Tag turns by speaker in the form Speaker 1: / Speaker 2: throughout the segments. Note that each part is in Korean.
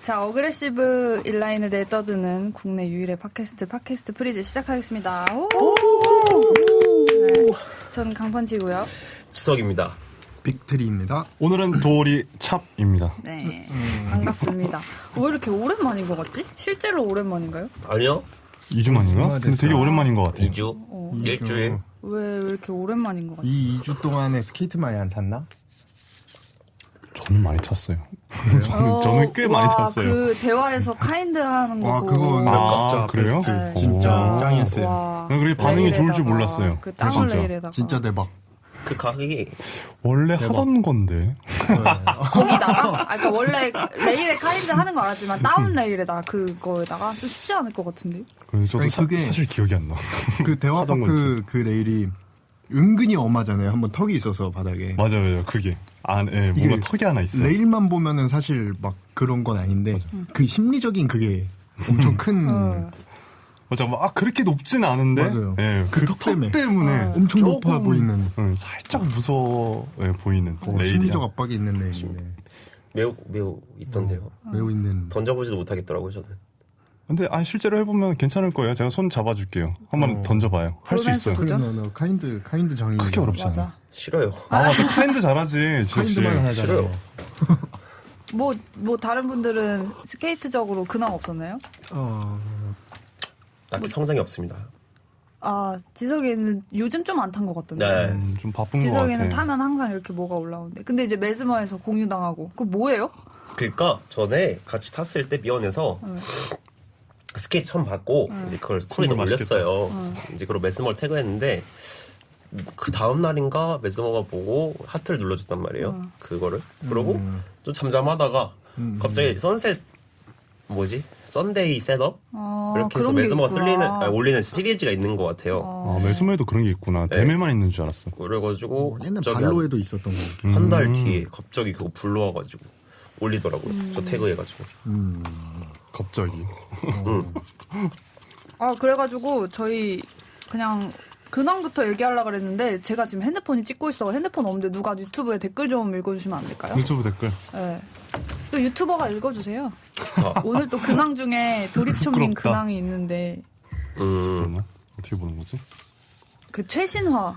Speaker 1: 자, 어그레시브 인라인에 대해 떠드는 국내 유일의 팟캐스트 프리즈 시작하겠습니다. 오! 네, 저는 강펀치고요.
Speaker 2: 지석입니다.
Speaker 3: 빅트리입니다.
Speaker 4: 오늘은 도리 찹입니다.
Speaker 1: 네, 반갑습니다. 왜 이렇게 오랜만인 것 같지? 실제로 오랜만인가요?
Speaker 2: 아니요.
Speaker 4: 2주 만인가? 근데 되게 오랜만인 것 같아요.
Speaker 2: 2주? 일주일?
Speaker 1: 왜 이렇게 오랜만인 것 같지?
Speaker 3: 이 2주 동안에 스케이트 많이 안 탔나?
Speaker 4: 저는 많이 탔어요. 저는 꽤 많이 탔어요.
Speaker 1: 그 대화에서 카인드 하는 거고.
Speaker 3: 와, 그거 진짜
Speaker 4: 그래요?
Speaker 3: 베스트.
Speaker 1: 네.
Speaker 3: 진짜
Speaker 4: 오.
Speaker 3: 짱이었어요.
Speaker 1: 와,
Speaker 4: 그게 반응이 좋을 줄
Speaker 1: 레일에다가,
Speaker 4: 몰랐어요.
Speaker 1: 그 다운
Speaker 4: 진짜.
Speaker 1: 레일에다가.
Speaker 3: 진짜 대박.
Speaker 2: 그 가격이
Speaker 4: 원래 하던 건데.
Speaker 1: 거기다가? 그러니까 원래 레일에 카인드 하는 거 알았지만 다운 레일에다가 그거에다가 좀 쉽지 않을 것 같은데.
Speaker 4: 그래서 저도
Speaker 3: 아니, 그게-
Speaker 4: 사실 기억이 안 나.
Speaker 3: 그
Speaker 4: 하던
Speaker 3: 대화파크 그 레일이 은근히 엄하잖아요. 한번 턱이 있어서 바닥에.
Speaker 4: 맞아요. 그게 안에
Speaker 3: 이게
Speaker 4: 뭔가 턱이 하나 있어요.
Speaker 3: 레일만 보면은 사실 막 그런 건 아닌데 그 심리적인 그게 엄청 큰
Speaker 4: 맞아. 막 그렇게 높진 않은데.
Speaker 3: 맞아요.
Speaker 4: 예,
Speaker 3: 그
Speaker 4: 턱
Speaker 3: 턱 때문에.
Speaker 4: 때문에
Speaker 3: 엄청
Speaker 4: 조금,
Speaker 3: 높아 보이는
Speaker 4: 살짝 무서워 보이는 레일이야.
Speaker 3: 심리적 압박이 있는 레일인데
Speaker 2: 매우 있던데요.
Speaker 3: 매우 있는.
Speaker 2: 던져보지도 못하겠더라고요, 저는.
Speaker 4: 근데 실제로 해보면 괜찮을 거예요. 제가 손 잡아줄게요. 한번 던져봐요. 할 수
Speaker 1: 로맨스
Speaker 4: 있어요.
Speaker 1: 도전?
Speaker 3: 그래, 너 카인드 장인.
Speaker 4: 그렇게 어렵지 않아.
Speaker 1: 맞아.
Speaker 2: 싫어요.
Speaker 4: 너 카인드 잘하지. 지석 씨.
Speaker 3: 카인드만 하잖아요.
Speaker 1: 뭐 다른 분들은 스케이트적으로 근황 없었나요?
Speaker 2: 딱히 성장이 없습니다.
Speaker 1: 아, 지석이는 요즘 좀 안 탄 것 같던데.
Speaker 2: 네.
Speaker 4: 좀 바쁜 것
Speaker 1: 지석이는
Speaker 4: 같아.
Speaker 1: 타면 항상 이렇게 뭐가 올라오는데. 근데 이제 메스머에서 공유당하고. 그거 뭐예요?
Speaker 2: 그러니까 전에 같이 탔을 때 미원에서 스케이트 처음 받고 이제 그걸 스토리도
Speaker 4: 정말
Speaker 2: 올렸어요. 이제 그걸 메스머를 태그했는데 그 다음 날인가 메스머가 보고 하트를 눌러줬단 말이에요. 그거를. 그러고 좀 잠잠하다가 갑자기 선셋 썬데이 셋업? 이렇게 해서
Speaker 1: 그런 게
Speaker 2: 메스머가
Speaker 1: 있구나.
Speaker 2: 올리는 시리즈가 있는 것 같아요.
Speaker 4: 매스머에도 그런 게 있구나.
Speaker 2: 네.
Speaker 4: 대매만 있는 줄 알았어.
Speaker 2: 그래가지고
Speaker 3: 옛날
Speaker 2: 갑자기
Speaker 3: 발로에도 있었던 거.
Speaker 2: 한 달 뒤에 갑자기 그거 불러와가지고 올리더라고요. 저 태그해가지고.
Speaker 4: 갑자기.
Speaker 1: 아, 그래가지고 저희 그냥 근황부터 얘기하려고 그랬는데 제가 지금 핸드폰이 찍고 있어. 핸드폰 없는데 누가 유튜브에 댓글 좀 읽어주시면 안 될까요?
Speaker 4: 유튜브 댓글.
Speaker 1: 네. 또 유튜버가 읽어주세요. 오늘 또 근황 중에 도립촌님
Speaker 4: 부끄럽다.
Speaker 1: 근황이 있는데
Speaker 4: 잠깐만. 어떻게 보는 거지?
Speaker 1: 그 최신화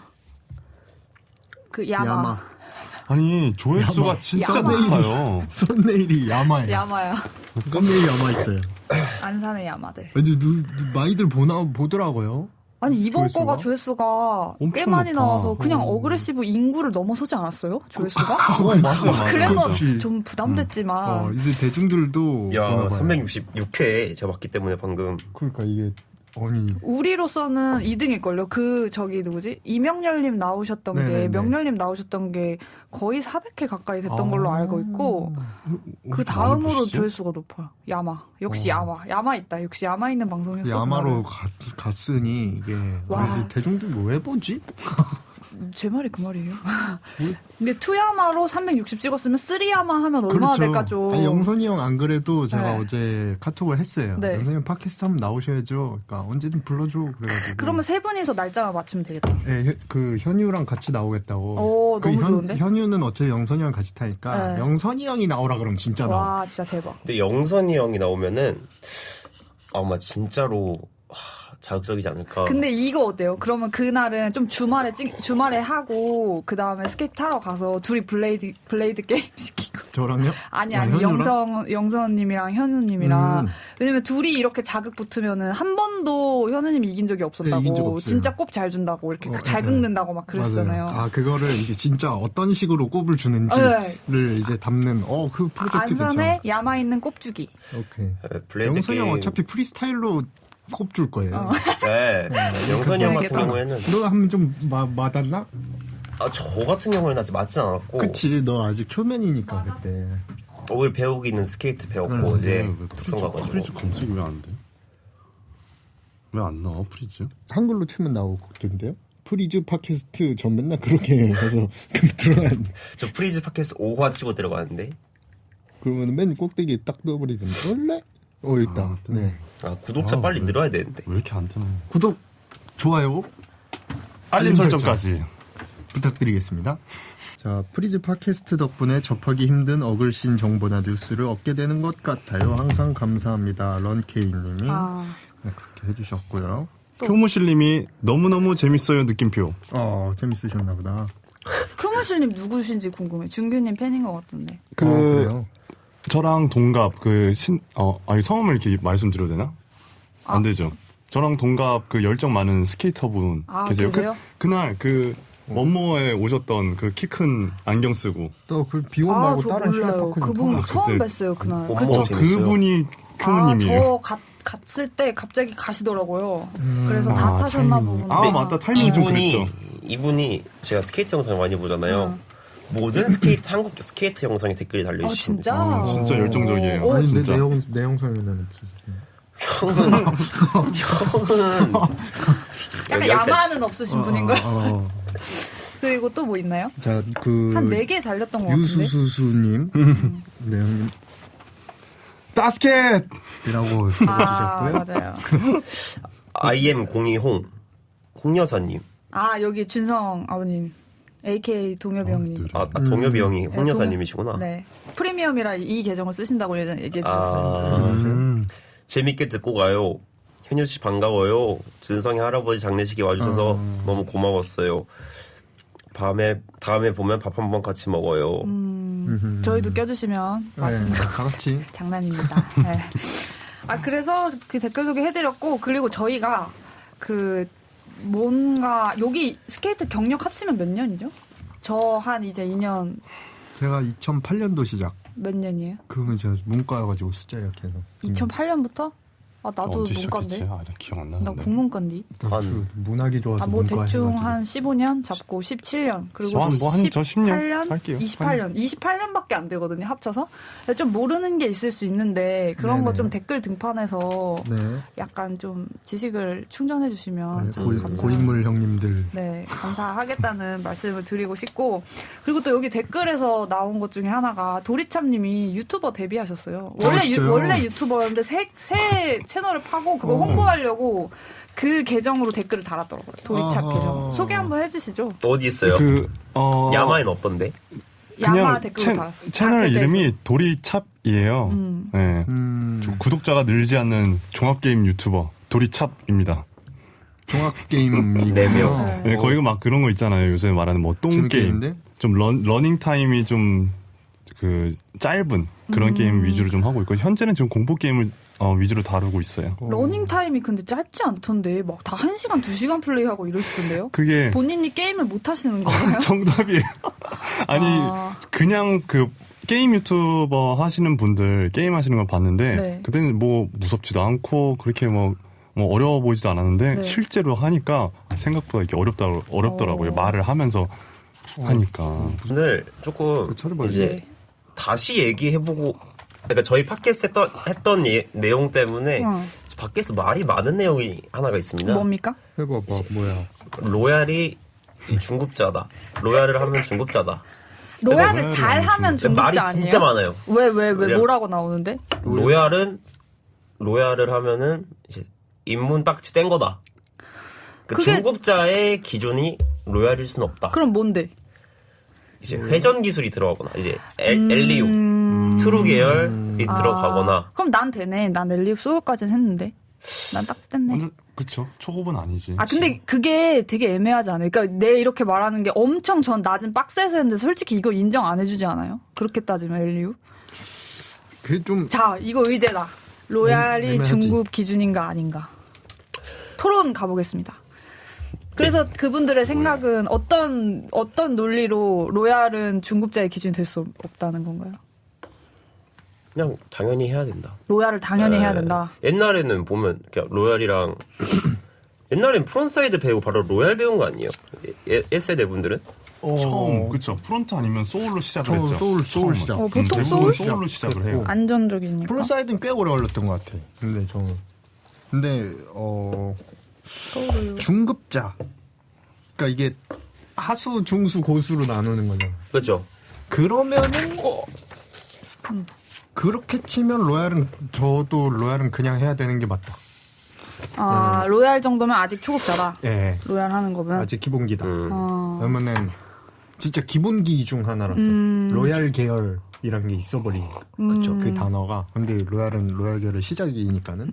Speaker 1: 그 야마.
Speaker 4: 아니 조회수가 진짜
Speaker 1: 야마.
Speaker 4: 높아요.
Speaker 3: 썸네일이 야마예요.
Speaker 1: 야마야.
Speaker 3: 썸네일이 야마 있어요.
Speaker 1: 안산의 야마들.
Speaker 3: 왠지 많이들 보더라고요.
Speaker 1: 아니 이번
Speaker 3: 조회수가?
Speaker 1: 거가 조회수가 꽤
Speaker 4: 엄청
Speaker 1: 많이
Speaker 4: 높아.
Speaker 1: 나와서 그냥 어그레시브 인구를 넘어서지 않았어요? 조회수가?
Speaker 4: 맞아.
Speaker 1: 그래서
Speaker 3: 그렇지.
Speaker 1: 좀 부담됐지만
Speaker 3: 이제 대중들도
Speaker 2: 야,
Speaker 3: 보나 봐요.
Speaker 2: 366회 제가 봤기 때문에 방금.
Speaker 3: 그러니까 이게 아니
Speaker 1: 우리로서는 2등일걸요. 그 저기 누구지? 이명렬님 나오셨던 게
Speaker 3: 네네네.
Speaker 1: 명렬님 나오셨던 게 거의 400회 가까이 됐던 걸로 알고 있고 그
Speaker 4: 어떻게 많이
Speaker 1: 다음으로
Speaker 4: 보시지?
Speaker 1: 조회수가 높아요. 야마. 역시 야마 있다. 역시 야마 있는 방송이었어.
Speaker 3: 야마로 갔으니 이게
Speaker 1: 와.
Speaker 3: 이제 대중들 뭐 해보지?
Speaker 1: 제 말이 그 말이에요. 근데 2야마로 360 찍었으면 3야마 하면 얼마나 될까 좀.
Speaker 3: 아니, 영선이 형 안 그래도 제가
Speaker 1: 네.
Speaker 3: 어제 카톡을 했어요.
Speaker 1: 네.
Speaker 3: 영선이 형 팟캐스트 한번 나오셔야죠. 그러니까 언제든 불러줘. 그래가지고.
Speaker 1: 그러면 세 분이서 날짜만 맞추면 되겠다.
Speaker 3: 네, 그 현유랑 같이 나오겠다고.
Speaker 1: 오,
Speaker 3: 그
Speaker 1: 너무 좋은데?
Speaker 3: 현유는 어차피 영선이 형 같이 타니까
Speaker 1: 네.
Speaker 3: 영선이 형이 나오라 그러면 진짜 나와.
Speaker 1: 와, 진짜 대박.
Speaker 2: 근데 영선이 형이 나오면은 아마 진짜로 자극적이지 않을까.
Speaker 1: 근데 이거 어때요? 그러면 그날은 좀 주말에 하고 그 다음에 스케이트 타러 가서 둘이 블레이드 게임 시키고.
Speaker 3: 저랑요?
Speaker 1: 아니
Speaker 3: 현유랑?
Speaker 1: 영선님이랑 현우님이랑 왜냐면 둘이 이렇게 자극 붙으면은 한 번도 현우님이 이긴 적이 없었다고.
Speaker 3: 네, 이긴 적 없어요.
Speaker 1: 진짜 꼽 잘 준다고 이렇게 잘 긁는다고 막 그랬잖아요.
Speaker 3: 맞아요. 그거를 이제 진짜 어떤 식으로 꼽을 주는지를
Speaker 1: 네.
Speaker 3: 이제 담는 그 프로젝트
Speaker 1: 안산에
Speaker 3: 괜찮아.
Speaker 1: 야마 있는 꼽주기.
Speaker 3: 오케이.
Speaker 2: 블레이드
Speaker 3: 영선이 형
Speaker 2: 게임.
Speaker 3: 어차피 프리스타일로 꼽줄 거예요.
Speaker 2: 네. 영선이 형 같은
Speaker 1: 알겠다.
Speaker 2: 경우에는
Speaker 3: 너 하면 좀 맞았나?
Speaker 2: 저 같은 경우에는 아직 맞진 않았고.
Speaker 3: 그치, 너 아직 초면이니까 그때.
Speaker 2: 오늘 배우기는 스케이트 배웠고 이제 특성 가가지고.
Speaker 4: 프리즈 검색이 왜 안 돼? 왜 안 나와 프리즈?
Speaker 3: 한글로 치면 나오거든요. 프리즈 팟캐스트 전 맨날 그렇게 해서 들어간.
Speaker 2: 저 프리즈 팟캐스트 5화 치고 들어가는데.
Speaker 3: 그러면 맨 꼭대기에 딱 넣어버리던데. 원래? 있다. 네.
Speaker 2: 구독자 빨리 늘어야 되는데.
Speaker 4: 왜 이렇게 안 뜨나?
Speaker 3: 구독, 좋아요.
Speaker 4: 알림 설정까지.
Speaker 3: 부탁드리겠습니다. 자, 프리즈 팟캐스트 덕분에 접하기 힘든 어글신 정보나 뉴스를 얻게 되는 것 같아요. 항상 감사합니다. 런케이님이 네, 그렇게 해주셨고요.
Speaker 4: 교무실님이 너무너무 재밌어요 느낌표.
Speaker 3: 재밌으셨나 보다.
Speaker 1: 크무실님 누구신지 궁금해. 준규님 팬인 것 같던데.
Speaker 3: 그래요?
Speaker 4: 저랑 동갑 성함을 이렇게 말씀드려도 되나? 안 되죠. 저랑 동갑 그 열정 많은 스케이터분 계세요.
Speaker 1: 계세요?
Speaker 4: 그날 원모에 오셨던 그 키 큰 안경 쓰고
Speaker 3: 또 그 비원 말고
Speaker 1: 저
Speaker 3: 다른
Speaker 1: 몰라요.
Speaker 3: 실내파크
Speaker 1: 그분 처음
Speaker 4: 그때-
Speaker 1: 뵀어요 그날.
Speaker 2: 어머,
Speaker 1: 그쵸?
Speaker 2: 재밌어요.
Speaker 4: 그분이 큐님이에요.
Speaker 1: 저 갔을 때 갑자기 가시더라고요. 그래서 다 타셨나
Speaker 3: 타이밍이.
Speaker 1: 보구나.
Speaker 4: 아, 맞다. 타이밍이 좀 그랬죠.
Speaker 2: 이분이 제가 스케이트 영상 많이 보잖아요. 모든 한국 스케이트 영상에 댓글이 달려 있습니다.
Speaker 1: 진짜?
Speaker 4: 진짜 열정적이에요.
Speaker 3: 아니
Speaker 4: 진짜.
Speaker 3: 내 영상에는
Speaker 2: 형은
Speaker 1: 약간 야만은 없으신 분인걸. 그리고 또 뭐 있나요?
Speaker 3: 자,
Speaker 1: 한 4개 달렸던 것 같은데.
Speaker 3: 유수수수님 네 형님
Speaker 4: 따스켓!
Speaker 3: 이라고
Speaker 1: 아,
Speaker 3: 해주셨고요.
Speaker 1: 맞아요.
Speaker 2: IM02홍 홍여사님.
Speaker 1: 여기 준성 아버님. AKA 동엽이 형님.
Speaker 2: 동엽이 형이 홍여사님이시구나.
Speaker 1: 네. 프리미엄이라 이 계정을 쓰신다고 예전에 얘기해 주셨어요.
Speaker 2: 재밌게 듣고 가요. 현유 씨 반가워요. 준성이 할아버지 장례식에 와주셔서 너무 고마웠어요. 다음에 보면 밥 한 번 같이 먹어요.
Speaker 1: 저희도 껴주시면 맛있는
Speaker 3: 네, 다 같이
Speaker 1: 장난입니다. 네. 그래서 그 댓글 소개해드렸고, 그리고 저희가 여기 스케이트 경력 합치면 몇 년이죠? 저 한 이제 2년.
Speaker 3: 제가 2008년도 시작.
Speaker 1: 몇 년이에요?
Speaker 3: 그러면 제가 문과여가지고 숫자 약해서
Speaker 1: 2008년부터? 나도
Speaker 4: 언제
Speaker 1: 문과인데.
Speaker 4: 시작했지? 나 기억 안
Speaker 1: 나
Speaker 4: 나는데.
Speaker 1: 국문과인데.
Speaker 3: 문학이 좋아서
Speaker 1: 뭐
Speaker 3: 문과
Speaker 1: 대충
Speaker 3: 해가지고.
Speaker 1: 한 15년 잡고 17년 그리고
Speaker 4: 저 10년 할게요.
Speaker 1: 28년밖에 안 되거든요 합쳐서. 좀 모르는 게 있을 수 있는데 그런 거
Speaker 3: 네네.
Speaker 1: 좀 댓글 등판해서
Speaker 3: 네.
Speaker 1: 약간 좀 지식을 충전해 주시면 참
Speaker 3: 고인물 형님들
Speaker 1: 네, 감사하겠다는 말씀을 드리고 싶고, 그리고 또 여기 댓글에서 나온 것 중에 하나가 도리참님이 유튜버 데뷔하셨어요.
Speaker 3: 진짜요?
Speaker 1: 원래 유튜버였는데 새 채널을 파고 그걸 홍보하려고 그 계정으로 댓글을 달았더라고요. 도리참
Speaker 3: 아하.
Speaker 1: 계정. 소개 한번 해주시죠.
Speaker 2: 어디 있어요? 야마엔 없던데?
Speaker 1: 야마
Speaker 4: 그냥
Speaker 1: 댓글로 달았어요.
Speaker 4: 채널
Speaker 1: 댓글에서.
Speaker 4: 이름이 도리찹이에요. 네. 구독자가 늘지 않는 종합게임 유튜버 도리찹입니다.
Speaker 3: 종합게임이고요.
Speaker 2: 4명.
Speaker 4: 네, 거기가 막 그런 거 있잖아요. 요새 말하는 뭐 똥게임.
Speaker 3: 재밌겠는데?
Speaker 4: 좀 러닝 타임이 좀 짧은 그런 게임 위주로 좀 하고 있고, 현재는 지금 공포 게임을 위주로 다루고 있어요.
Speaker 1: 러닝 타임이 근데 짧지 않던데 막 다 1시간, 2시간 플레이하고 이러시던데요?
Speaker 4: 그게
Speaker 1: 본인이 게임을 못 하시는 거예요?
Speaker 4: 정답이에요. 아니 그냥 게임 유튜버 하시는 분들 게임 하시는 걸 봤는데
Speaker 1: 네.
Speaker 4: 그때는 뭐 무섭지도 않고 그렇게 뭐 어려워 보이지도 않았는데
Speaker 1: 네.
Speaker 4: 실제로 하니까 생각보다 이렇게 어렵더라고요. 말을 하면서 하니까.
Speaker 2: 오늘 조금
Speaker 3: 찾아봐야지.
Speaker 2: 이제 다시 얘기해보고, 그러니까 저희 팟캐스트 했던 내용 때문에 밖에서 말이 많은 내용이 하나가 있습니다.
Speaker 1: 뭡니까?
Speaker 3: 해봐봐 뭐야.
Speaker 2: 로얄이 중급자다. 로얄을 하면 중급자다.
Speaker 1: 로얄을 잘 하면 중급자
Speaker 2: 말이
Speaker 1: 아니에요?
Speaker 2: 진짜 많아요.
Speaker 1: 왜
Speaker 2: 로얄.
Speaker 1: 뭐라고 나오는데?
Speaker 2: 로얄을 하면은 이제 입문 딱지 뗀 거다.
Speaker 1: 그게-
Speaker 2: 중급자의 기준이 로얄일 순 없다.
Speaker 1: 그럼 뭔데?
Speaker 2: 이제 회전 기술이 들어가거나 이제 엘리오, 트루 계열이 들어가거나.
Speaker 1: 그럼 난 되네. 난 엘리웁 소울까지는 했는데. 난 딱지 뗐네.
Speaker 4: 완전 그쵸. 초급은 아니지.
Speaker 1: 근데 그게 되게 애매하지 않아요? 그러니까 내 이렇게 말하는 게 엄청 전 낮은 박스에서 했는데 솔직히 이거 인정 안 해주지 않아요? 그렇게 따지면 엘리웁?
Speaker 3: 그게 좀
Speaker 1: 자, 이거 의제다. 로얄이
Speaker 3: 애매하지.
Speaker 1: 중급 기준인가 아닌가. 토론 가보겠습니다. 그래서 그분들의 생각은 어떤 논리로 로얄은 중급자의 기준이 될 수 없다는 건가요?
Speaker 2: 그냥 당연히 해야 된다.
Speaker 1: 로얄을 당연히 해야 된다.
Speaker 2: 옛날에는 보면 그냥 로얄이랑 옛날엔 프론사이드 배우고 바로 로얄 배운 거 아니에요? S세대 분들은?
Speaker 4: 처음 그쵸. 프론트 아니면 소울로 시작을 했죠.
Speaker 3: 소울
Speaker 4: 처음은.
Speaker 3: 시작.
Speaker 1: 보통
Speaker 4: 대부분
Speaker 1: 소울?
Speaker 4: 소울로 시작을 해요.
Speaker 1: 안전적이니까.
Speaker 3: 프론사이드는 꽤 오래 걸렸던 것 같아. 근데
Speaker 1: 소울을.
Speaker 3: 중급자. 그러니까 이게 하수, 중수, 고수로 나누는 거잖아.
Speaker 2: 그렇죠.
Speaker 3: 그러면은 그렇게 치면 저도 로얄은 그냥 해야 되는 게 맞다.
Speaker 1: 로얄 정도면 아직 초급자다.
Speaker 3: 예.
Speaker 1: 로얄 하는 거면.
Speaker 3: 아직 기본기다.
Speaker 1: 어.
Speaker 3: 그러면은 진짜 기본기 중 하나라서 로얄 계열이란 게 있어버린
Speaker 2: 그쵸.
Speaker 3: 그 단어가. 근데 로얄은 로얄 계열의 시작이니까는.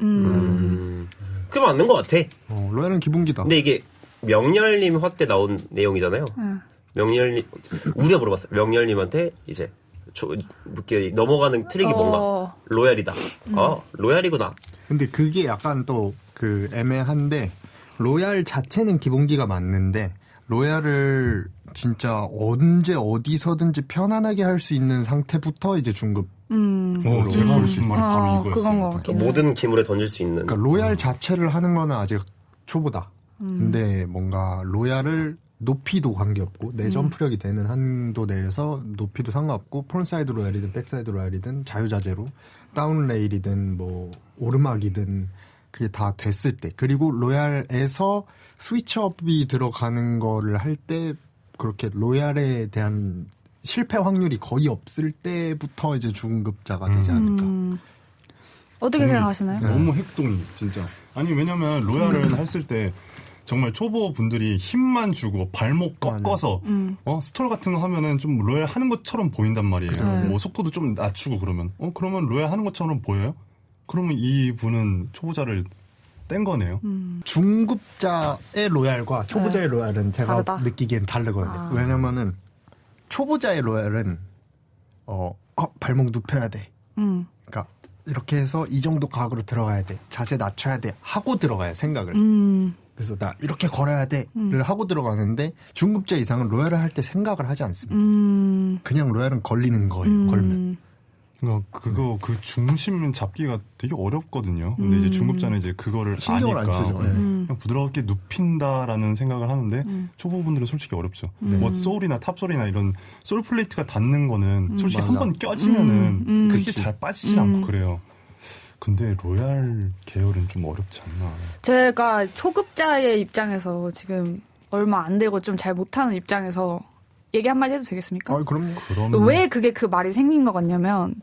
Speaker 2: 그게 맞는 것 같아.
Speaker 3: 로얄은 기본기다.
Speaker 2: 근데 이게 명렬님 화때 나온 내용이잖아요. 명렬님 우리가 물어봤어요. 명렬님한테 이제 이렇게 넘어가는 트릭이 뭔가 로얄이다. 로얄이구나.
Speaker 3: 근데 그게 약간 또 그 애매한데 로얄 자체는 기본기가 맞는데 로얄을 진짜 언제 어디서든지 편안하게 할 수 있는 상태부터 이제 중급.
Speaker 4: 제가 할 수 있는 말이 바로 이거였어요.
Speaker 1: 그건 것 같긴 해.
Speaker 2: 모든 기물에 던질 수 있는.
Speaker 3: 그러니까 로얄 자체를 하는 거는 아직 초보다. 근데 뭔가 로얄을 높이도 관계없고 내 점프력이 되는 한도 내에서 높이도 상관없고 프론사이드 로얄이든 백사이드 로얄이든 자유자재로 다운 레일이든 뭐 오르막이든 그게 다 됐을 때 그리고 로얄에서 스위치업이 들어가는 거를 할 때 그렇게 로얄에 대한 실패 확률이 거의 없을 때부터 이제 중급자가 되지 않을까.
Speaker 1: 어떻게 생각하시나요?
Speaker 4: 너무 핵동이 진짜. 아니 왜냐면 로얄을 했을 때 정말 초보 분들이 힘만 주고 발목 꺾어서 스톨 같은 거 하면은 좀 로얄 하는 것처럼 보인단 말이에요. 뭐 속도도 좀 낮추고 그러면 그러면 로얄 하는 것처럼 보여요? 그러면 이 분은 초보자를 뗀 거네요.
Speaker 3: 중급자의 로얄과 초보자의 로얄은 제가
Speaker 1: 다르다?
Speaker 3: 느끼기엔 다르거든요. 왜냐면은 초보자의 로얄은 발목 눕혀야 돼. 그러니까 이렇게 해서 이 정도 각으로 들어가야 돼. 자세 낮춰야 돼. 하고 들어가야 생각을. 그래서 나 이렇게 걸어야 돼를 하고 들어가는데 중급자 이상은 로얄을 할 때 생각을 하지 않습니다. 그냥 로얄은 걸리는 거예요. 걸면.
Speaker 4: 그러니까 그 중심 잡기가 되게 어렵거든요. 근데 이제 중급자는 이제 그거를
Speaker 3: 신경을
Speaker 4: 아니까
Speaker 3: 안 쓰죠.
Speaker 4: 그냥 부드럽게 눕힌다라는 생각을 하는데 초보분들은 솔직히 어렵죠. 뭐 소울이나 탑소울이나 이런 소울 플레이트가 닿는 거는 솔직히
Speaker 3: 맞아.
Speaker 4: 한 번 껴지면은 그게
Speaker 3: 그치.
Speaker 4: 잘 빠지지 않고 그래요. 근데 로얄 계열은 좀 어렵지 않나.
Speaker 1: 제가 초급자의 입장에서 지금 얼마 안 되고 좀 잘 못하는 입장에서 얘기 한마디 해도 되겠습니까?
Speaker 3: 그럼
Speaker 1: 왜 그게 그 말이 생긴 것 같냐면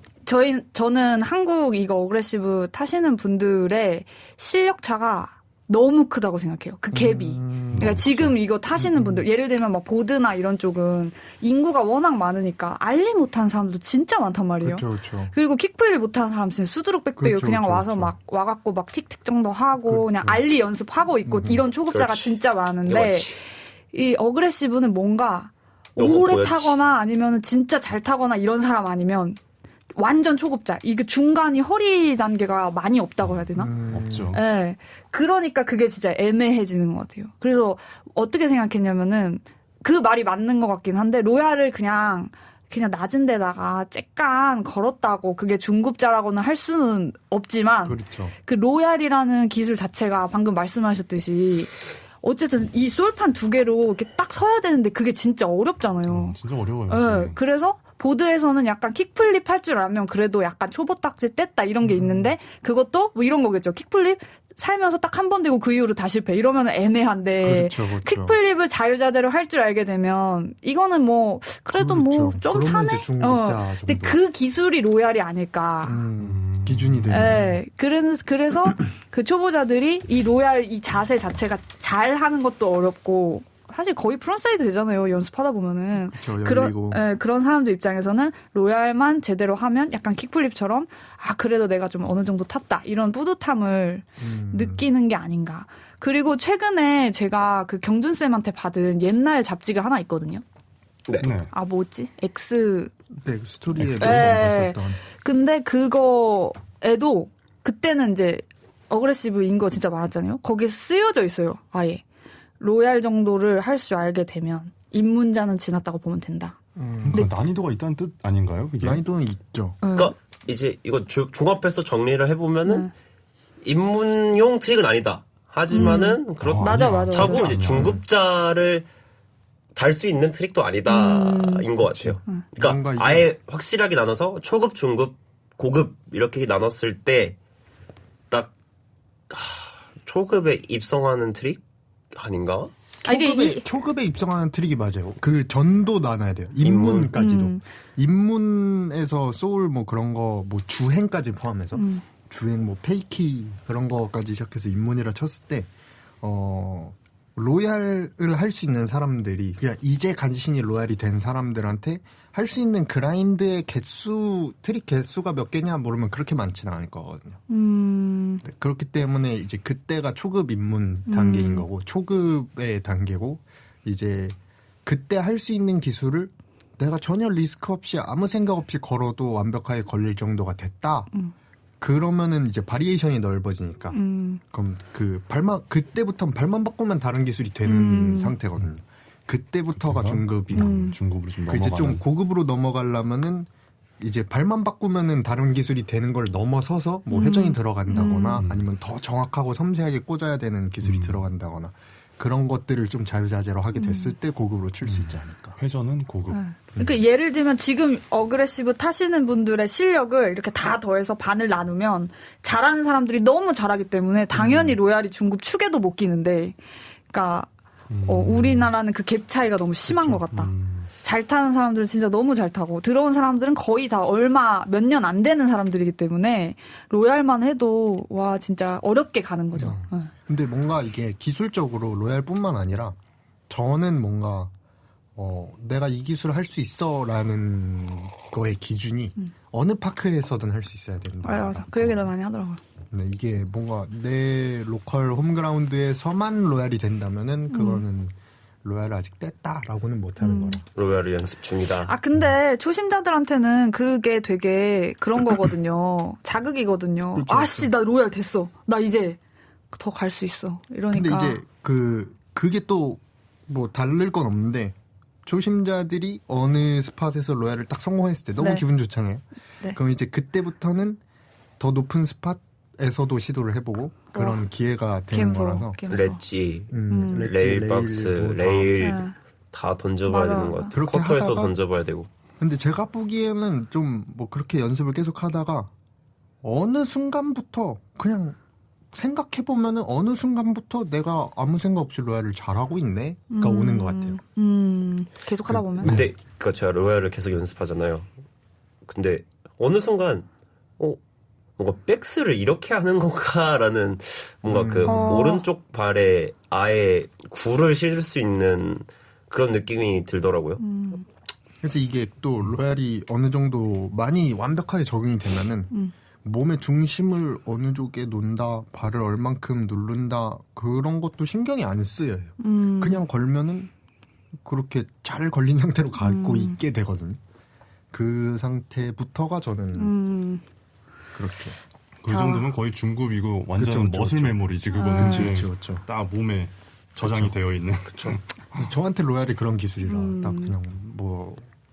Speaker 1: 저는 한국 이거 어그레시브 타시는 분들의 실력 차가 너무 크다고 생각해요. 그 갭이. 그러니까 지금 이거 타시는 분들 예를 들면 막 보드나 이런 쪽은 인구가 워낙 많으니까 알리 못하는 사람도 진짜 많단 말이에요.
Speaker 3: 그렇죠.
Speaker 1: 그리고 킥플립 못하는 사람 진짜 수두룩 빽빽해요.
Speaker 3: 그렇죠,
Speaker 1: 그냥
Speaker 3: 그렇죠,
Speaker 1: 와서
Speaker 3: 그렇죠.
Speaker 1: 막 와갖고 막 틱틱 정도 하고
Speaker 3: 그렇죠.
Speaker 1: 그냥 알리 연습하고 있고 이런 초급자가
Speaker 2: 그렇지.
Speaker 1: 진짜 많은데
Speaker 2: 그렇지.
Speaker 1: 이 어그레시브는 뭔가
Speaker 2: 너무
Speaker 1: 오래
Speaker 2: 보였지.
Speaker 1: 타거나 아니면 진짜 잘 타거나 이런 사람 아니면 완전 초급자. 이게 중간이 허리 단계가 많이 없다고 해야 되나?
Speaker 4: 없죠.
Speaker 1: 네. 그러니까 그게 진짜 애매해지는 것 같아요. 그래서 어떻게 생각했냐면은 그 말이 맞는 것 같긴 한데 로얄을 그냥 낮은 데다가 쬐깐 걸었다고 그게 중급자라고는 할 수는 없지만
Speaker 3: 그렇죠.
Speaker 1: 그 로얄이라는 기술 자체가 방금 말씀하셨듯이 어쨌든 이 솔판 두 개로 이렇게 딱 서야 되는데 그게 진짜 어렵잖아요.
Speaker 4: 진짜 어려워요.
Speaker 1: 네. 그래서 보드에서는 약간 킥플립 할 줄 알면 그래도 약간 초보 딱지 뗐다 이런 게 있는데 그것도 뭐 이런 거겠죠. 킥플립 살면서 딱 한 번 되고 그 이후로 다시 실패. 이러면 애매한데
Speaker 3: 그렇죠, 그렇죠.
Speaker 1: 킥플립을 자유자재로 할 줄 알게 되면 이거는 뭐 그래도 뭐 좀
Speaker 3: 그러면
Speaker 1: 타네.
Speaker 3: 이제 중급자
Speaker 1: 근데
Speaker 3: 정도.
Speaker 1: 그 기술이 로얄이 아닐까.
Speaker 3: 기준이 되는.
Speaker 1: 네. 그래서 그 초보자들이 이 로얄 이 자세 자체가 잘 하는 것도 어렵고 사실 거의 프론사이드 되잖아요. 연습하다 보면은.
Speaker 3: 그렇죠. 열리고.
Speaker 1: 그런 사람들 입장에서는 로얄만 제대로 하면 약간 킥플립처럼 그래도 내가 좀 어느 정도 탔다. 이런 뿌듯함을 느끼는 게 아닌가. 그리고 최근에 제가 그 경준쌤한테 받은 옛날 잡지가 하나 있거든요.
Speaker 2: 네.
Speaker 4: 네.
Speaker 1: 뭐였지? X.
Speaker 3: 네, 스토리에
Speaker 1: 네.
Speaker 3: 있었던.
Speaker 1: 근데 그거에도 그때는 이제 어그레시브인 거 진짜 많았잖아요. 거기에 쓰여져 있어요. 아예. 로얄 정도를 할 줄 알게 되면 입문자는 지났다고 보면 된다.
Speaker 4: 그러니까 난이도가 있다는 뜻 아닌가요? 그게?
Speaker 3: 난이도는 있죠.
Speaker 2: 그러니까 이제 이거 종합해서 정리를 해보면은 입문용 트릭은 아니다. 하지만은
Speaker 1: 맞아.
Speaker 2: 그렇다고 이제 중급자를 달 수 있는 트릭도 아니다인 것 같아요. 그러니까
Speaker 3: 뭔가 이제-
Speaker 2: 아예 확실하게 나눠서 초급, 중급, 고급 이렇게 나눴을 때 딱 초급에 입성하는 트릭 아닌가?
Speaker 3: 초급에 입성하는 트릭이 맞아요. 그 전도 나눠야 돼요. 입문까지도. 입문에서 소울 뭐 그런 거 뭐 주행까지 포함해서 주행 뭐 페이키 그런 거까지 시작해서 입문이라 쳤을 때 로얄을 할 수 있는 사람들이 그냥 이제 간신히 로얄이 된 사람들한테 할 수 있는 그라인드의 트릭 개수가 몇 개냐 물으면 그렇게 많지는 않을 거거든요. 네, 그렇기 때문에 이제 그때가 초급 입문 단계인 거고 초급의 단계고 이제 그때 할 수 있는 기술을 내가 전혀 리스크 없이 아무 생각 없이 걸어도 완벽하게 걸릴 정도가 됐다. 그러면은 이제 바리에이션이 넓어지니까 그럼 그때부터는 발만 바꾸면 다른 기술이 되는 상태거든요. 그때부터가 중급이다.
Speaker 4: 중급으로 좀
Speaker 3: 그 이제
Speaker 4: 넘어가는.
Speaker 3: 좀 고급으로 넘어가려면은 이제 발만 바꾸면은 다른 기술이 되는 걸 넘어서서 뭐 회전이 들어간다거나 아니면 더 정확하고 섬세하게 꽂아야 되는 기술이 들어간다거나 그런 것들을 좀 자유자재로 하게 됐을 때 고급으로 칠 수 있지 않을까.
Speaker 4: 회전은 고급.
Speaker 1: 그러니까 예를 들면 지금 어그레시브 타시는 분들의 실력을 이렇게 다 더해서 반을 나누면 잘하는 사람들이 너무 잘하기 때문에 당연히 로얄이 중급 축에도 못 끼는데, 그러니까 우리나라는 그 갭 차이가 너무 심한 것 같다. 잘 타는 사람들은 진짜 너무 잘 타고 들어온 사람들은 거의 다 몇 년 안 되는 사람들이기 때문에 로얄만 해도 와 진짜 어렵게 가는 거죠. 네.
Speaker 3: 근데 뭔가 이게 기술적으로 로얄뿐만 아니라 저는 뭔가 내가 이 기술을 할 수 있어라는 거의 기준이 어느 파크에서든 할 수 있어야 된다.
Speaker 1: 맞아. 그 얘기를 많이 하더라고요.
Speaker 3: 네, 이게 뭔가 내 로컬 홈그라운드에서만 로얄이 된다면은 그거는 로얄을 아직 뗐다라고는 못하는 거라.
Speaker 2: 로얄을 연습 중이다.
Speaker 1: 아, 근데 초심자들한테는 그게 되게 그런 거거든요. 자극이거든요.
Speaker 3: 그렇죠,
Speaker 1: 아씨, 나 로얄 됐어. 나 이제 더 갈 수 있어. 이러니까.
Speaker 3: 근데 이제 그게 또 뭐 다를 건 없는데 초심자들이 어느 스팟에서 로얄을 딱 성공했을 때 너무
Speaker 1: 네.
Speaker 3: 기분 좋잖아요.
Speaker 1: 네.
Speaker 3: 그럼 이제 그때부터는 더 높은 스팟에서도 시도를 해보고 그런 기회가 되는
Speaker 1: 무서워.
Speaker 3: 거라서.
Speaker 1: 개 무서워.
Speaker 2: 렛지,
Speaker 3: 렛지,
Speaker 2: 레일박스,
Speaker 3: 뭐 다.
Speaker 2: 레일
Speaker 1: 네.
Speaker 2: 다 던져봐야
Speaker 1: 맞아,
Speaker 2: 되는 것
Speaker 1: 맞아.
Speaker 2: 같아요.
Speaker 3: 그렇게
Speaker 2: 쿼터에서
Speaker 3: 하다가-
Speaker 2: 던져봐야 되고.
Speaker 3: 근데 제가 보기에는 좀 뭐 그렇게 연습을 계속 하다가 어느 순간부터 그냥 생각해보면은 어느 순간부터 내가 아무 생각 없이 로얄을 잘하고 있네가 오는 것 같아요.
Speaker 1: 계속 하다 보면.
Speaker 2: 근데 그 제가 로얄을 계속 연습하잖아요. 근데 어느 순간 뭔가 백스를 이렇게 하는 건가라는 뭔가 그 오른쪽 발에 아예 굴을 실을 수 있는 그런 느낌이 들더라고요.
Speaker 3: 그래서 이게 또 로얄이 어느 정도 많이 완벽하게 적용이 되면은 몸의 중심을 어느 쪽에 놓는다, 발을 얼만큼 누른다 그런 것도 신경이 안 쓰여요. 그냥 걸면은 그렇게 잘 걸린 상태로 가고 있게 되거든요. 그 상태부터가 저는 그렇게.
Speaker 4: 그 정도면 거의 중급이고 완전
Speaker 3: 그쵸,
Speaker 4: 머슬
Speaker 3: 그쵸.
Speaker 4: 메모리지 그거는.
Speaker 3: 그렇죠.
Speaker 4: 딱 몸에 저장이 되어 있는.
Speaker 3: 그래서 저한테 로얄이 그런 기술이라 딱 그냥 뭐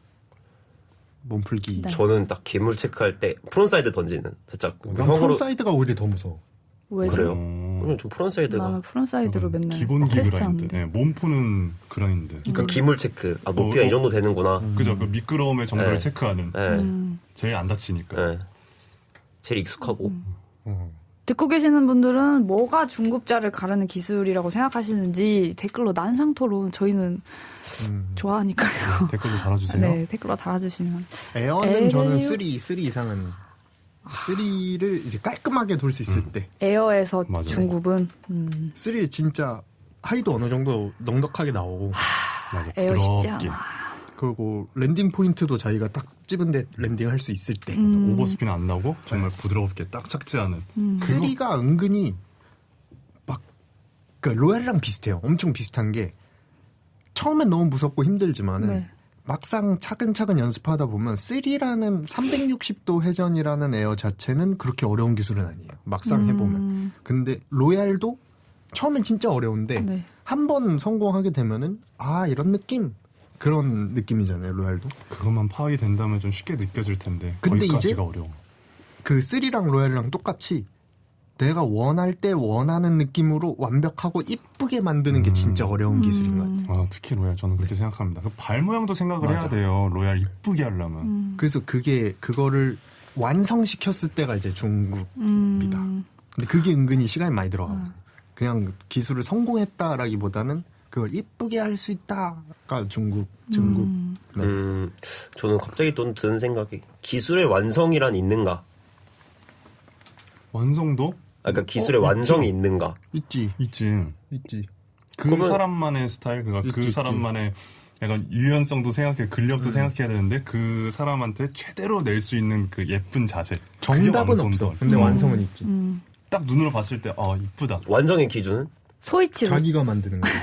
Speaker 3: 몸풀기.
Speaker 1: 네.
Speaker 2: 저는 딱 기물 체크할 때 프론사이드 던지는 살짝
Speaker 3: 난 프론사이드가 오히려 더 무서워.
Speaker 1: 왜죠?
Speaker 2: 그래요.
Speaker 4: 어.
Speaker 2: 왜냐면 좀 프론사이드가
Speaker 1: 나는 프론사이드로 맨날
Speaker 4: 기본
Speaker 1: 테스트
Speaker 4: 그라인드.
Speaker 1: 하는데.
Speaker 4: 네, 몸푸는 그라인드.
Speaker 2: 그러니까 기물 체크. 아 높이가 이 정도 되는구나.
Speaker 4: 그죠? 그 미끄러움의 정도를
Speaker 2: 네.
Speaker 4: 체크하는.
Speaker 2: 네.
Speaker 4: 제일 안 다치니까.
Speaker 2: 네. 제일 익숙하고.
Speaker 1: 듣고 계시는 분들은 뭐가 중급자를 가르는 기술이라고 생각하시는지 댓글로 난상토론 저희는 좋아하니까요.
Speaker 4: 댓글로 달아주세요.
Speaker 1: 네, 댓글로 달아주시면.
Speaker 3: 에어는 저는 3 이상은 3를 이제 깔끔하게 돌 수 있을 때
Speaker 1: 에어에서
Speaker 4: 맞아요.
Speaker 1: 중급은
Speaker 3: 3 진짜 하이도 어느 정도 넉넉하게 나오고
Speaker 4: 맞아.
Speaker 1: 에어 쉽지
Speaker 4: 부드럽게.
Speaker 1: 않아.
Speaker 3: 그리고 랜딩 포인트도 자기가 딱 집은데 랜딩할 수 있을 때
Speaker 4: 오버스피는 안 나고 정말 부드럽게 딱 착지하는.
Speaker 3: 3가 은근히 막 그러니까 로얄이랑 비슷해요. 엄청 비슷한 게 처음엔 너무 무섭고 힘들지만은
Speaker 1: 네.
Speaker 3: 막상 차근차근 연습하다 보면 3라는 360도 회전이라는 에어 자체는 그렇게 어려운 기술은 아니에요. 막상 해보면. 근데 로얄도 처음엔 진짜 어려운데
Speaker 1: 네.
Speaker 3: 한 번 성공하게 되면은 아 이런 느낌 그런 느낌이잖아요. 로얄도.
Speaker 4: 그것만 파악이 된다면 좀 쉽게 느껴질 텐데.
Speaker 3: 근데
Speaker 4: 거기까지가
Speaker 3: 이제
Speaker 4: 어려워.
Speaker 3: 그 3랑 로얄이랑 똑같이 내가 원할 때 원하는 느낌으로 완벽하고 이쁘게 만드는 게 진짜 어려운 기술인 것 같아요.
Speaker 4: 아, 특히 로얄 저는 그렇게 생각합니다. 그 발 모양도 생각을 해야 돼요. 로얄 이쁘게 하려면.
Speaker 3: 그래서 그거를 완성시켰을 때가 이제 중급이다. 근데 그게 은근히 시간이 많이 들어가요. 그냥 기술을 성공했다라기보다는 그걸 이쁘게 할 수 있다가 중급. 네.
Speaker 2: 저는 갑자기 또 드는 생각이 기술의 완성이란 있는가?
Speaker 4: 완성도?
Speaker 2: 아, 그러니까 기술의 완성이 있는가?
Speaker 3: 있지.
Speaker 4: 있지. 그
Speaker 2: 그러면-
Speaker 4: 사람만의 스타일, 그러니까 그
Speaker 3: 있지.
Speaker 4: 사람만의 약간 유연성도 생각해, 근력도 생각해야 되는데 그 사람한테 최대로 낼 수 있는 그 예쁜 자세. 그게
Speaker 3: 정답은
Speaker 4: 완성도.
Speaker 3: 없어. 근데 완성은 있지.
Speaker 4: 딱 눈으로 봤을 때 이쁘다.
Speaker 2: 완성의 기준은?
Speaker 1: 소이치로.
Speaker 3: 자기가 만드는 거.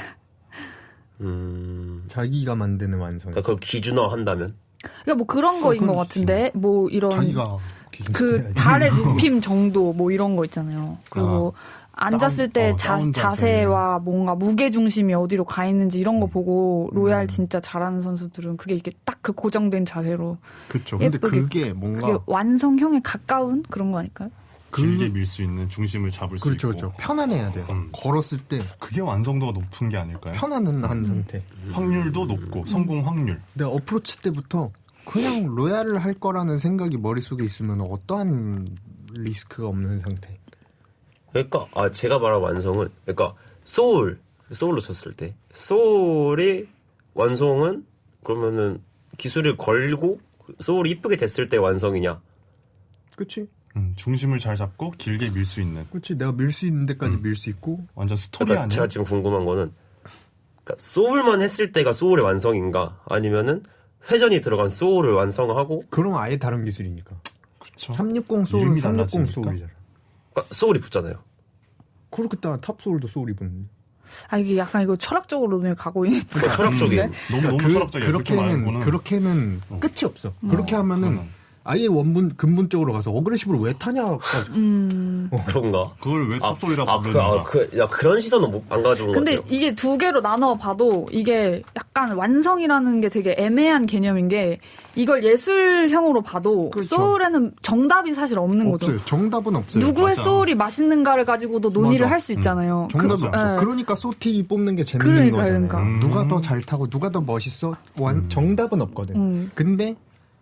Speaker 2: 음.
Speaker 3: 자기가 만드는 완성.
Speaker 2: 그러니까 그걸 기준화 한다면?
Speaker 1: 그러니까 뭐 그런 거인 것
Speaker 3: 그건
Speaker 1: 같은데 뭐 이런
Speaker 3: 자기가 기준
Speaker 1: 그
Speaker 3: 세워야지.
Speaker 1: 달의 눕힘 정도 뭐 이런 거 있잖아요. 그리고 앉았을 때
Speaker 4: 다운 자세.
Speaker 1: 자세와 뭔가 무게 중심이 어디로 가 있는지 이런 거 보고 로얄 진짜 잘하는 선수들은 그게 이게 딱 그 고정된 자세로
Speaker 3: 그쵸. 근데
Speaker 1: 예쁘게
Speaker 3: 그게 뭔가
Speaker 1: 그게 완성형에 가까운 그런 거 아닐까요?
Speaker 4: 길게 밀 수 있는, 중심을 잡을 수
Speaker 3: 그렇죠,
Speaker 4: 있고.
Speaker 3: 그렇죠. 편안해야 돼요. 걸었을 때
Speaker 4: 그게 완성도가 높은 게 아닐까요?
Speaker 3: 편안한 상태.
Speaker 4: 확률도 높고 성공 확률.
Speaker 3: 내가 어프로치 때부터 그냥 로얄을 할 거라는 생각이 머릿속에 있으면 어떠한 리스크가 없는 상태.
Speaker 2: 그러니까 제가 말한 완성은 그러니까 소울로 쳤을 때 소울이 완성은 그러면은 기술을 걸고 소울이 이쁘게 됐을 때 완성이냐?
Speaker 3: 그치?
Speaker 4: 중심을 잘 잡고 길게 밀 수 있는
Speaker 3: 그치. 내가 밀 수 있는 데까지 밀 수 있고.
Speaker 4: 완전 스토리
Speaker 2: 그러니까
Speaker 4: 아니야?
Speaker 2: 제가 지금 궁금한 거는 그러니까 소울만 했을 때가 소울의 완성인가? 아니면은 회전이 들어간 소울을 완성하고
Speaker 3: 그럼 아예 다른 기술이니까.
Speaker 4: 그쵸.
Speaker 3: 360 소울은
Speaker 4: 이름이
Speaker 3: 360
Speaker 4: 달라지니까.
Speaker 3: 소울이잖아.
Speaker 2: 그러니까 소울이 붙잖아요.
Speaker 3: 그렇게 따라 탑 소울도 소울이 붙는데.
Speaker 1: 아 이게 약간 이거 철학적으로 눈에 가고 있는
Speaker 2: 그러니까 철학적인
Speaker 4: 너무 철학적이야.
Speaker 3: 그렇게는 끝이 없어. 그렇게 하면은 아예 근본적으로 가서 어그레시브를 왜 타냐까지.
Speaker 2: 그런가?
Speaker 4: 그걸 왜 탑소리라 부르는가?
Speaker 2: 그런 시선은 안 가져온 것
Speaker 1: 근데
Speaker 2: 같아요.
Speaker 1: 이게 두 개로 나눠 봐도 이게 약간 완성이라는 게 되게 애매한 개념인 게 이걸 예술형으로 봐도
Speaker 3: 그렇죠.
Speaker 1: 소울에는 정답이 사실 없는 거죠.
Speaker 3: 없어요. 정답은 없어요.
Speaker 1: 누구의
Speaker 4: 맞아.
Speaker 1: 소울이 맛있는가를 가지고도 논의를
Speaker 3: 맞아.
Speaker 1: 할 수 있잖아요.
Speaker 3: 정답이
Speaker 1: 그-
Speaker 3: 없어.
Speaker 1: 예.
Speaker 3: 그러니까 소티 뽑는 게 재밌는 거잖아요.
Speaker 1: 그러니까.
Speaker 3: 누가 더 잘 타고 누가 더 멋있어? 정답은 없거든. 근데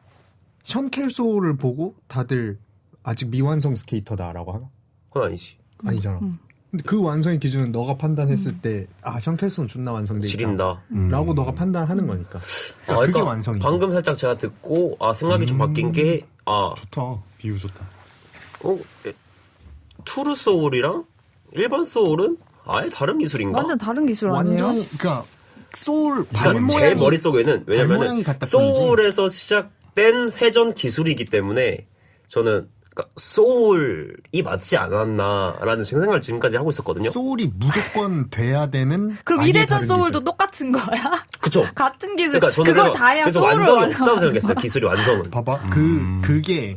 Speaker 3: 션켈 소울을 보고 다들 아직 미완성 스케이터다라고 하나?
Speaker 2: 그건 아니지.
Speaker 3: 아니잖아. 근데 그 완성의 기준은 너가 판단했을 때 션켈 소울은 존나 완성돼 있다.
Speaker 2: 지린다.
Speaker 3: 라고 너가 판단하는 거니까. 그게
Speaker 2: 그러니까
Speaker 3: 완성이지.
Speaker 2: 방금 살짝 제가 듣고 생각이 좀 바뀐 게
Speaker 4: 좋다. 비유 좋다.
Speaker 2: 투르 소울이랑 일반 소울은 아예 다른 기술인가?
Speaker 1: 완전 다른 기술 아니에요?
Speaker 3: 완전히 그러니까 소울
Speaker 2: 그러니까 제 머릿속에는 왜냐면은
Speaker 3: 발모양이 같다
Speaker 2: 소울에서 시작된 회전 기술이기 때문에 저는 그러니까 소울이 맞지 않았나라는 생각을 지금까지 하고 있었거든요.
Speaker 3: 소울이 무조건 돼야 되는.
Speaker 1: 그럼
Speaker 3: 아예
Speaker 1: 이래전
Speaker 3: 다른
Speaker 1: 소울도
Speaker 3: 기술.
Speaker 1: 똑같은 거야?
Speaker 2: 그쵸?
Speaker 1: 같은 기술.
Speaker 2: 그러니까 저는
Speaker 1: 그걸 다 해야
Speaker 2: 그래서
Speaker 1: 소울을
Speaker 2: 완성이
Speaker 1: 완성.
Speaker 2: 없다고 생각했어요. 기술이 완성은.
Speaker 3: 봐봐. 그게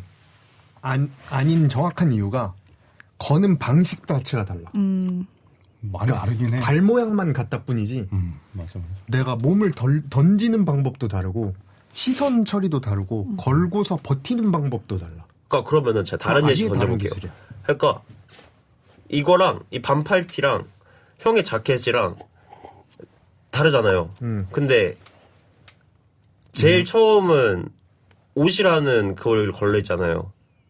Speaker 3: 아닌 정확한 이유가 거는 방식 자체가 달라.
Speaker 4: 많이 다르긴 해.
Speaker 3: 발 모양만 같다 뿐이지.
Speaker 4: 맞아.
Speaker 3: 내가 몸을 던지는 방법도 다르고 시선 처리도 다르고 걸고서 버티는 방법도 달라.
Speaker 2: 그러니까 그러면은 제가 다른
Speaker 3: 아예
Speaker 2: 예시
Speaker 3: 다른
Speaker 2: 던져볼게요.
Speaker 3: 기술이야.
Speaker 2: 그러니까 이거랑 이 반팔티랑 형의 자켓이랑 다르잖아요. 근데 제일 처음은 옷이라는 그걸 걸려 있잖아요.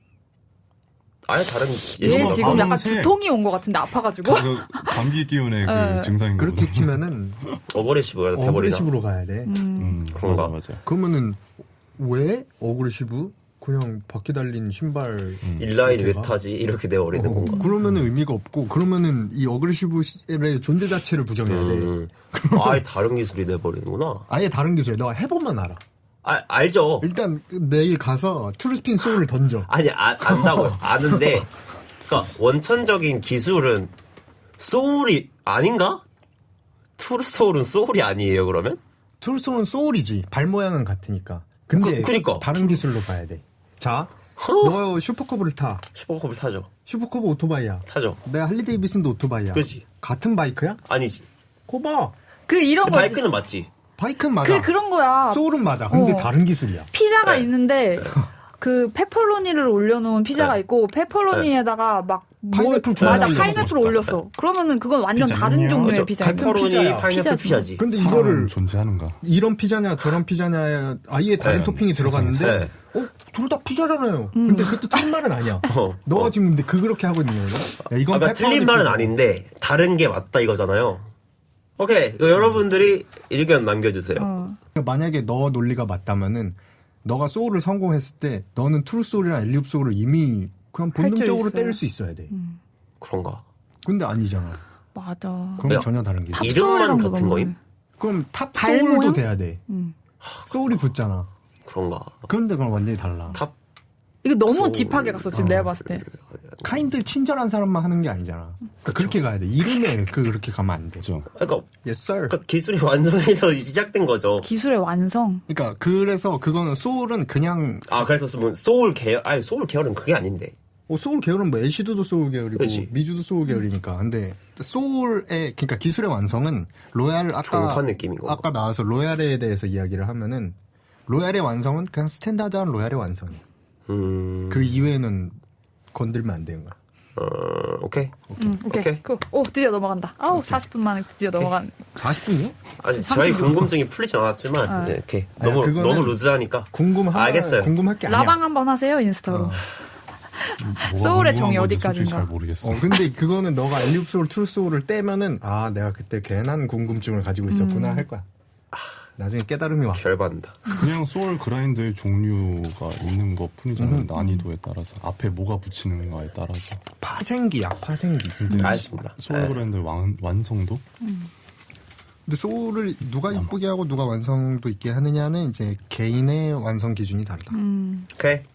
Speaker 2: 아예 다른
Speaker 1: 얘
Speaker 2: 예시가
Speaker 1: 지금 약간
Speaker 4: 밤새-
Speaker 1: 두통이 온 것 같은데 아파가지고.
Speaker 4: 그 감기 기운의 그 증상인 거죠.
Speaker 3: 그렇게 치면은
Speaker 2: 어그레시브가 돼버리나?
Speaker 3: 어그레시브로 가야 돼.
Speaker 2: 그런가?
Speaker 4: 맞아.
Speaker 3: 그러면은 왜 어그레시브? 그냥 바퀴 달린 신발
Speaker 2: 인라인 왜
Speaker 3: 이렇게 가?
Speaker 2: 타지? 이렇게 돼버리는 건가?
Speaker 3: 그러면은 의미가 없고 그러면은 이 어그레시브의 존재 자체를 부정해야 돼.
Speaker 2: 아예 다른 기술이 돼버리는구나.
Speaker 3: 아예 다른 기술이야. 너가 해보면 알아.
Speaker 2: 알죠.
Speaker 3: 일단 내일 가서 트루스핀 소울을 던져.
Speaker 2: 아니 안다고요. 아는데 그러니까 원천적인 기술은 소울이 아닌가? 투르 소울은 소울이 아니에요 그러면?
Speaker 3: 트루소울은 소울이지. 발 모양은 같으니까. 근데
Speaker 2: 그니까.
Speaker 3: 다른 기술로 봐야 돼. 자, 너 슈퍼커브를 타.
Speaker 2: 슈퍼컵을 타죠.
Speaker 3: 슈퍼커브 오토바이야.
Speaker 2: 타죠.
Speaker 3: 내가 할리 데이비슨도 오토바이야.
Speaker 2: 그치.
Speaker 3: 같은 바이크야?
Speaker 2: 아니지.
Speaker 3: 코봐.
Speaker 1: 그 이런 거지.
Speaker 2: 바이크는 맞지.
Speaker 3: 바이크는 맞아.
Speaker 1: 그런 거야.
Speaker 3: 소울은 맞아. 근데
Speaker 1: 어.
Speaker 3: 다른 기술이야.
Speaker 1: 피자가
Speaker 2: 네.
Speaker 1: 있는데 그 페퍼로니를 올려놓은 피자가
Speaker 2: 네.
Speaker 1: 있고 페퍼로니에다가 막
Speaker 3: 파인애플
Speaker 1: 맞아
Speaker 3: 올렸어.
Speaker 1: 파인애플 올렸어. 그러면은 그건 완전
Speaker 4: 피자는요?
Speaker 1: 다른 종류의
Speaker 2: 그렇죠.
Speaker 1: 피자예요.
Speaker 2: 페퍼로니
Speaker 3: 피자야.
Speaker 2: 파인애플
Speaker 1: 피자지.
Speaker 2: 피자지.
Speaker 3: 근데
Speaker 4: 사람은
Speaker 3: 이거를
Speaker 4: 존재하는가?
Speaker 3: 이런 피자냐 저런 피자냐 아예 다른
Speaker 2: 네.
Speaker 3: 토핑이 들어갔는데
Speaker 2: 네.
Speaker 3: 둘 다 피자잖아요. 근데 그것도 틀린 말은 아니야. 너가 지금 근데 그렇게 하고 있는 거야. 야, 이건
Speaker 2: 그러니까 틀린
Speaker 3: 페퍼로니
Speaker 2: 말은
Speaker 3: 피자.
Speaker 2: 아닌데 다른 게 맞다 이거잖아요. 오케이. 여러분들이 의견 남겨주세요.
Speaker 3: 그러니까 만약에 너 논리가 맞다면은 너가 소울을 성공했을 때 너는 트루 소울이랑 엘리웁 소울을 이미 그냥 본능적으로
Speaker 1: 있어요.
Speaker 3: 때릴 수 있어야 돼.
Speaker 2: 그런가?
Speaker 3: 근데 아니잖아.
Speaker 1: 맞아.
Speaker 3: 그럼
Speaker 2: 왜요?
Speaker 3: 전혀 다른 기술.
Speaker 2: 이름만
Speaker 1: 탑소울이랑도
Speaker 2: 같은
Speaker 1: 너무
Speaker 2: 거임?
Speaker 3: 그럼 탑
Speaker 1: 발
Speaker 3: 소울도
Speaker 1: 모양?
Speaker 3: 돼야 돼. 소울이 붙잖아.
Speaker 2: 그런가.
Speaker 3: 그런데 그건 완전히 달라.
Speaker 2: 탑
Speaker 1: 이거 너무
Speaker 2: 소울.
Speaker 1: 딥하게 갔어, 지금 내가 봤을 때.
Speaker 3: 카인들 친절한 사람만 하는 게 아니잖아. 그러니까 그렇게 가야 돼. 이름에 그렇게 가면 안 돼.
Speaker 4: 그죠.
Speaker 2: 그러니까,
Speaker 3: Yes, sir.
Speaker 2: 그러니까 기술이 완성해서 시작된 거죠.
Speaker 1: 기술의 완성.
Speaker 3: 그러니까 그래서 그거는 소울은 그냥
Speaker 2: 아 그래서 뭐 소울 계열 아니 소울 계열은 그게 아닌데.
Speaker 3: 소울 계열은 뭐 애쉬드도 소울 계열이고
Speaker 2: 그치.
Speaker 3: 미주도 소울 계열이니까. 근데 소울의 그러니까 기술의 완성은 로얄
Speaker 2: 종판 느낌인 거고.
Speaker 3: 아까 나와서 로얄에 대해서 이야기를 하면은 로얄의 완성은 그냥 스탠다드한 로얄의 완성이야. 그 이외에는 건들면 안 되는 거야.
Speaker 2: 오케이.
Speaker 1: 오케이. 오, 드디어 넘어간다. 아우, 40분 만에 드디어 넘어간.
Speaker 3: 40분이요?
Speaker 2: 아니
Speaker 1: 30
Speaker 2: 저희
Speaker 1: 분.
Speaker 2: 궁금증이 풀리진 않았지만 네, 이렇게
Speaker 3: 아니,
Speaker 2: 너무
Speaker 3: 그거는
Speaker 2: 너무 루즈하니까. 알겠어요.
Speaker 3: 궁금할 게 아니야.
Speaker 1: 라방 한번 하세요, 인스타로. 소울의 정의 어디까지인가?
Speaker 4: 잘 모르겠어.
Speaker 3: 근데 그거는 너가 알리웁 소울, 트루 소울을 떼면은 아 내가 그때 괜한 궁금증을 가지고 있었구나 할 거야. 나중에 깨달음이 와.
Speaker 2: 결받는다.
Speaker 4: 그냥 소울 그라인드의 종류가 있는 것 뿐이잖아요. 난이도에 따라서 앞에 뭐가 붙이는가에 따라서.
Speaker 3: 파생기야, 파생기.
Speaker 4: 근데
Speaker 2: 알겠습니다.
Speaker 4: 소울 그라인드의 완성도
Speaker 3: 근데 소울을 누가 이쁘게 하고 누가 완성도 있게 하느냐는 이제 개인의 완성 기준이 다르다.
Speaker 2: 오케이.